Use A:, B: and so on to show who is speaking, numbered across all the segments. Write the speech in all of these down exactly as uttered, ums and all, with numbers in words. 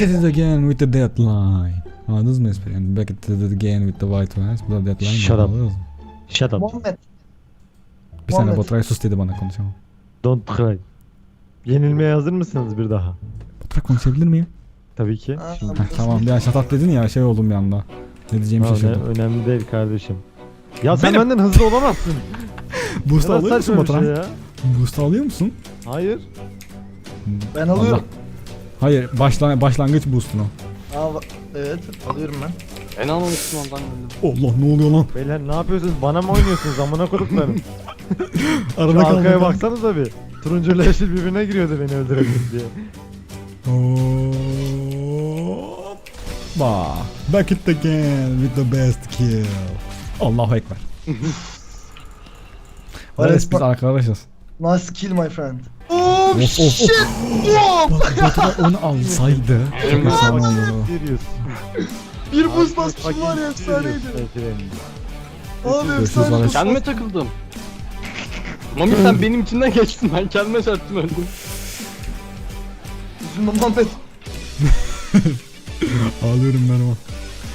A: Back at it again with the deadline. Anladınız mı espri? Yani back at it again with the white lines. Bu da deadline.
B: Shut up.
A: Anladınız mı?
B: Shut up.
C: Muhammed.
A: Bir saniye
C: Muhammed.
A: Baturay sus dedi bana, konuşamam.
B: Don't cry. Yenilmeye hazır mısınız bir daha?
A: Baturay konuşabilir miyim?
B: Tabii ki.
C: Aa,
B: Şimdi.
A: Heh, tamam ya shut up dedin ya, şey oldum bir anda. Ne diyeceğimi
B: Ha,
A: şaşırdım.
B: öne- önemli değil kardeşim. Ya sen
A: Benim-
B: benden hızlı olamazsın.
A: Boost
B: Ne
A: alıyor musun
B: saçma bir şey
A: Baturay?
B: ya?
A: Boost alıyor musun?
B: Hayır.
C: Ben alıyorum.
A: Allah. Hayır, başla başlangıç boost'unu.
C: Aa, evet alıyorum ben.
D: Ben almamıştım ondan öldüm.
A: Allah, ne oluyor lan?
B: Beyler ne yapıyorsunuz? Bana mı oynuyorsunuz? Amına koduklarım.
A: Arada
B: Şu arkaya
A: kaldım.
B: baksanıza bir. Turuncuyla yeşil birbirine giriyordu beni öldürebilir diye.
A: Hoppa. Back it again with the best kill. Allahu ekber. Evet, biz arkadaşız.
C: Nice kill my friend. Oh
A: Of, of,
C: shit!
A: Bak, Baturay onu alsaydı çok efsane olurdu.
B: Serious.
C: Bir boost basmışım var ya, efsaneydi. Abi
A: Görüşürüz
C: efsane.
A: Alex.
D: Kendime takıldım. Mami sen benim içinden geçtin, ben kendime çarptım öldüm.
C: Üzülme Muhammed.
A: Ağlıyorum ben ama.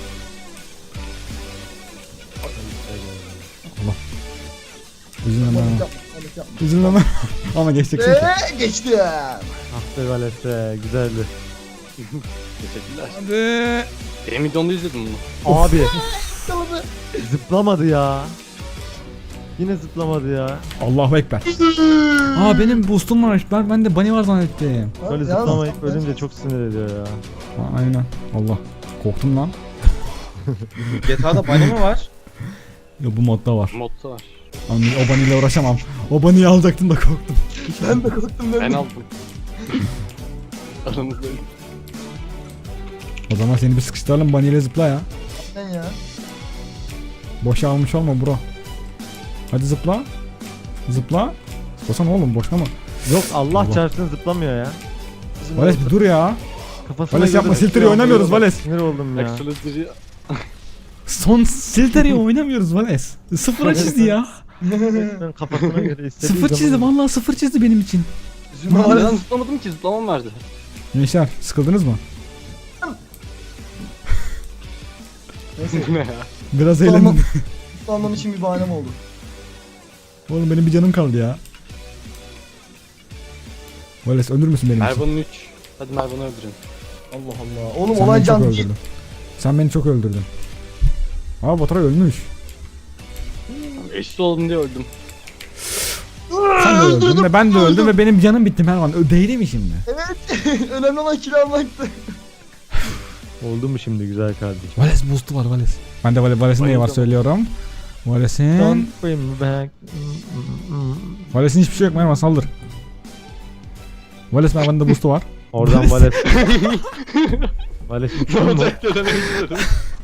A: Allah. Üzülmem ben
C: Muhammed
A: ama.
C: yapma, Muhammed yapma.
A: Üzülmem ben. Ama geçeceksin ki.
C: Eee geçti.
B: Ah be Valeste güzeldi.
D: Teşekkürler.
A: Hadi.
D: Benim videomda izledim bunu.
B: Abi
C: Yakaladı.
B: zıplamadı ya. Yine zıplamadı ya.
A: Allahu ekber. Aa, benim boostum var. Ben, ben de bunny var zannettim.
B: Böyle
C: Yalnız-
B: zıplamayıp ölünce çok sinir ediyor ya.
A: Ha, aynen. Allah. Korktum lan.
E: G T A'da bunny mi var?
A: Ya bu modda var.
D: Modda var.
A: Ama o bunny ile uğraşamam. O bunny'yi alacaktım da korktum.
C: Ben de korktum ben.
D: Ben
C: de.
D: aldım. Aramızdayım.
A: O zaman seni bir sıkıştıralım, bunny ile zıpla ya.
C: Sen ya.
A: Boşa almış olma bro. Hadi zıpla. Zıpla. Zıplasana oğlum, boşa mı?
B: Yok Allah,
A: Allah.
B: çarpsın zıplamıyor ya.
C: Bizim
A: Vales bir dur ya.
B: Kafasına
A: Vales yapma,
B: göre-
A: Silter'i oynamıyoruz Vales.
B: Sinir oldum ya.
D: Excellency.
A: Son Silter'i oynamıyoruz Vales. Sıfıra çizdi ya.
B: Resmen kafasına göre istediği
A: Sıfır çizdi,
B: zaman-
A: vallahi sıfır çizdi benim için.
C: Üzülme
D: Ben
C: Muhammed.
D: zıplamadım ki, zıplamam verdi.
A: Gençler, sıkıldınız mı?
C: Neyse.
D: Ne ya?
A: Biraz
C: Tamam.
A: eğlenin.
C: Anlam için bir bahanem oldu.
A: Oğlum benim bir canım kaldı ya. Vales ölür müsün benim için?
D: Mervan'ın üç. Hadi Mervan'ı öldürün.
C: Allah Allah. Oğlum
A: Sen
C: olay
A: beni çok
C: can değil.
A: öldürdün. Sen beni çok öldürdün. Aa, Baturay ölmüş.
D: Eşit oldum diye öldüm.
A: Sen de öldün ve ben de öldüm ve benim canım bitti Mervan. Ö- Değdi mi şimdi?
C: Evet. Önemli olan kill almaktı.
B: Oldu mu şimdi güzel kardeşim?
A: Vales boost'u var Vales. Ben de Vales, Vales'in neyi var
D: Bayıldım.
A: söylüyorum. Vales'in...
B: Don't bring me back.
A: Vales'in hiçbir şey yok, Mervan saldır. Vales, Mervan'ın da boost'u var.
B: Oradan Vales. Vales
D: Ne
B: uçuyor mu?
D: olacak diye denemek istedim.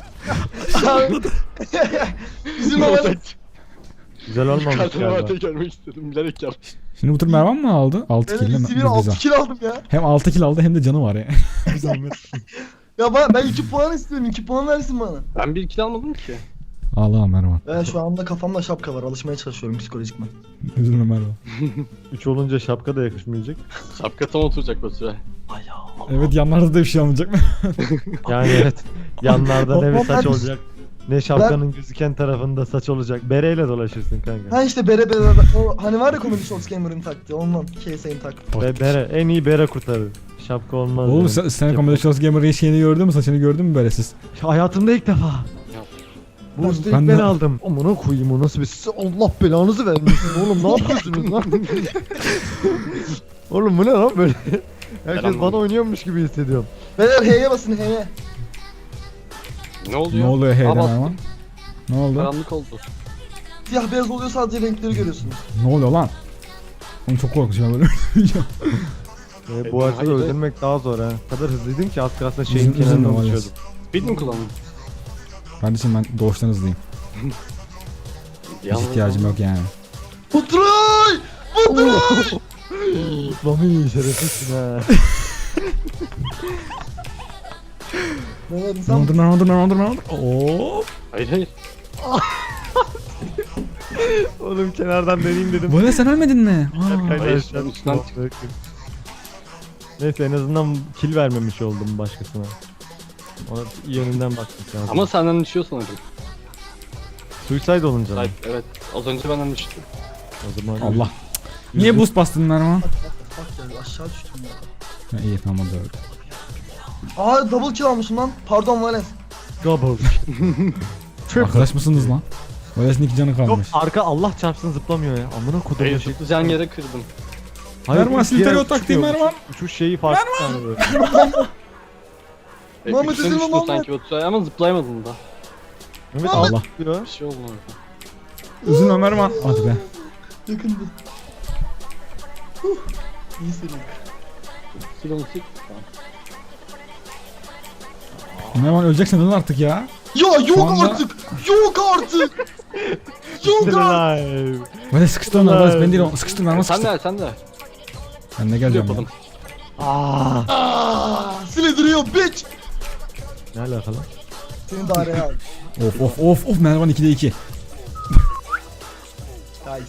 C: Üzülme
D: Ne
C: Muhammed.
D: olacak?
B: Güzel olmamış
D: Kartını
B: galiba.
D: vardı görmek istedim, bilerek yaptım.
A: Şimdi bu tur Mervan mı aldı? altı kill değil
C: Ben
A: mi?
C: sivil
A: Dur,
C: altı
A: güzel.
C: kill aldım ya.
A: Hem altı kill aldı hem de canı var ya.
C: Ya ben, ben iki puan istiyorum. iki puan versin bana.
D: Ben bir kill almadım ki.
A: Ağlama Mervan.
C: Ben şu anda kafamda şapka var. Alışmaya çalışıyorum psikolojikman.
A: Üzülme Mervan.
B: üç olunca şapka da yakışmayacak.
D: Şapka tam oturacak Baturay.
A: Evet, yanlarda da bir şey olmayacak mı?
B: Yani evet. Yanlarda ne bir
C: Ama
B: saç
C: ben-
B: olacak. Ne şapkanın gözüken tarafında saç olacak. Bereyle dolaşırsın kanka.
C: Ha işte bere bere. O hani var ya Comedy Shorts Gamer'ın taktığı. Ondan. K S'in taktığı.
B: Be bere. En iyi bere kurtarır. Şapka olmaz.
A: Oğlum
B: yani.
A: sen, sen Comedy Shows Gamer'ın şeyini gördün mü? Saçını gördün mü böyle siz?
B: Hayatımda ilk defa. Bu
A: Ben-
B: üstü
A: ben
B: ilk
A: de-
B: ben aldım. Amına koyayım o nasıl bir size Allah belanızı vermesin oğlum ne yapıyorsunuz lan? Oğlum bu ne lan böyle? Herkes
D: anlamadım.
B: bana oynuyormuş gibi hissediyorum.
C: Beyler H'ye basın H'ye.
D: Ne oluyor?
A: Ne oluyor heyden
D: Aa, bastım.
A: Mervan? Ne oldu?
D: Karanlık oldu.
C: Siyah beyaz oluyor, sadece renkleri görüyorsunuz.
A: Ne oluyor lan? Oğlum çok korkuyorum böyle.
B: Ee, bu
D: E,
B: haritada
D: hayır.
B: öldürmek daha zor ha. O kadar hızlıydım ki az kalsın şeyin
A: Üzüm- üzülme
B: kenarına
A: Vales.
B: uçuyordum.
D: Speed mi kullandın?
A: Kardeşim ben doğuştan hızlıyım. Hiç ihtiyacım yok yani.
C: Baturay! Baturay!
B: Mami şerefsizsin ha.
C: Beyler
A: Ne
C: insan
A: oldu lan, ne oldu lan, ne oldu lan, ne oldu? Oo.
D: Hayır hayır.
B: Oğlum kenardan deneyeyim dedim.
A: Böyle sen ölmedin mi? Aa.
D: Hayır,
B: Hayır,
D: ben üstünden
B: Neyse en azından kill vermemiş oldum başkasına. Ona iyi yönünden bakmak lazım.
D: Ama senden düşüyor sanırım.
B: Suicide olunca mı?
D: Hayır, evet. Az önce benden düştü.
B: O zaman
A: Allah. Niye boost bastın Mervan?
C: Bak ya aşağı düştüm ya.
A: Ha, iyi tamam hadi öyle.
C: Aa double kill almışım lan. Pardon Vales.
B: Double.
A: Arkadaş mısınız lan? Vales'in iki canı
B: Yok
A: kalmış.
B: arka Allah çarpsın zıplamıyor ya. Amına kodum
D: Hayır,
B: yaşı.
D: tutacağın yere kırdım.
A: Mervan,
B: üç
A: silter
B: yere
A: o taktiği
B: uçuyor.
A: Mervan.
B: Uçuş şeyi farklı yani böyle.
D: E,
C: Muhammed
D: üstüne
C: üzülme
D: düştü
C: Muhammed.
D: sanki Batu ama zıplayamadın da.
B: Mehmet
A: Allah.
B: Allah diyor.
D: Bir şey oldu orada.
A: Üzülme Mervan. Hadi be.
C: Yakındı. Huh. İyi seri.
D: Silonu sil. Tamam.
A: Mervan öleceksin lan artık ya.
C: Ya yok
A: Şu anda-
C: artık. Yok artık. Yok artık.
B: Live.
A: Vales sıkıştır onları Vales ben değil o. Sıkıştır Mervan
D: Sen
A: sıkıştır.
D: de sen de.
A: Ben de
D: Sil
A: geleceğim ya.
D: yapalım.
B: Aa.
C: Aa, sile duruyor bitch.
B: Ne alakalı?
C: Seni de araya al.
A: Of of of of Mervan ikide iki.
C: Nice.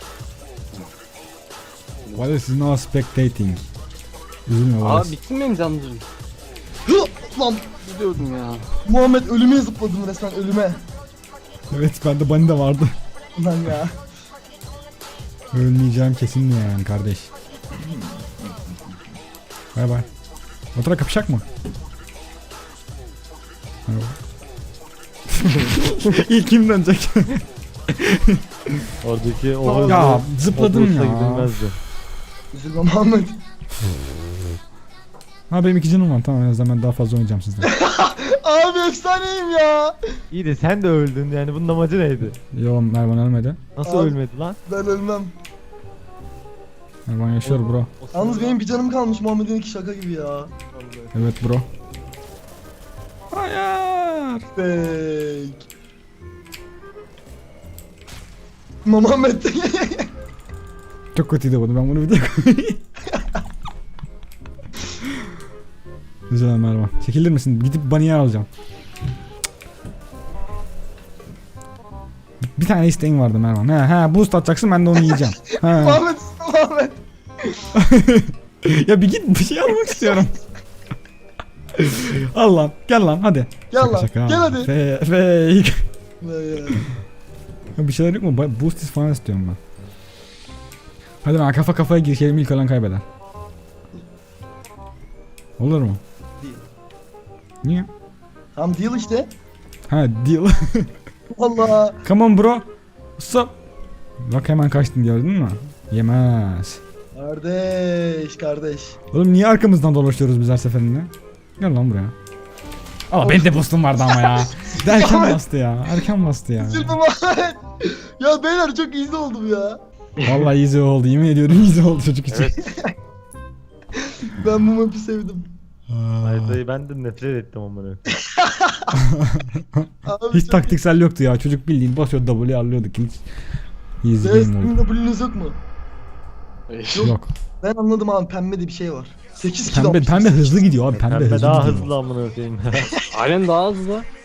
A: Vales is now spectating. Üzülme
D: Aa
A: Vales.
D: bitsin benim canlarım.
C: Hı, lan
D: Biliyordum ya.
C: Muhammed ölüme zıpladım resmen ölüme.
A: Evet bende bunny de vardı.
C: Lan ya.
A: Ölmeyeceğim kesin mi yani kardeş? Bay bay. Batıra kapışak mı? Merhaba. İlk kim dönecek?
B: Oradaki o
A: Ya, zıpladım
B: Hogwarts'a
A: ya.
B: gidilmezdi.
C: Üzülme Muhammed.
A: Ha benim iki canım var tamam en azından ben daha fazla oynayacağım sizden.
C: Abi efsaneyim ya.
B: İyi de sen de öldün yani bunun amacı neydi?
A: Yo Mervan ölmedi.
B: Nasıl
C: Abi-
B: ölmedi lan?
C: Ben ölmem.
A: Mervan yaşıyor bro.
C: Yalnız benim bir canım kalmış Muhammed'in iki şaka gibi ya.
A: Evet bro. Hayır.
C: Fake. Muhammed.
A: Çok kötüydü bu ben bunu bir de koyayım. Güzel Mervan. Çekilir misin? Gidip bunny'yi alacağım. Bir tane isteğin vardı Mervan. He he boost atacaksın ben de onu yiyeceğim. He.
C: Muhammed. Muhammed.
A: Ya bir git bir şey almak istiyorum. Al lan gel lan hadi.
C: Gel
A: Şaka
C: lan.
A: şaka.
C: Gel hadi.
A: Fe fake.
C: Ne ya?
A: Ya bir şeyler yok mu? Ba- Boost is falan istiyorum ben. Hadi lan kafa kafaya girişelim ilk olan kaybeder. Olur mu?
C: Değil.
A: Niye?
C: Tam deal işte.
A: Ha deal.
C: Allah.
A: Come on bro. What's up? Bak hemen kaçtın gördün mü? Yemez.
C: Kardeş kardeş.
A: Oğlum niye arkamızdan dolaşıyoruz biz her seferinde? Gel lan buraya. Aa benim de boostum vardı ama ya. De erken bastı ya. Erken bastı ya.
C: Üzülme Muhammed. Ya beyler çok easy oldum ya.
A: Vallahi easy oldu. Yemin ediyorum easy oldu çocuk için.
C: Ben bu map'i sevdim.
A: Aa,
B: Haritayı ben de nefret ettim amına.
C: Abi
A: hiç
C: çok
A: taktiksel yoktu ya. Çocuk bildiğin basıyor W'yi alıyorduk. Hiç easy
C: iyi.
A: game oldu.
C: Sizin W'nüz yok mu?
D: Yok.
A: Yok.
C: Ben anladım abi pembe de bir şey var. sekiz kilo
A: Pembe, pembe hızlı gidiyor abi. Pembe,
B: Pembe
A: hızlı
B: daha
A: gidiyor.
B: hızlı amına koyayım.
D: Aynen daha hızlı.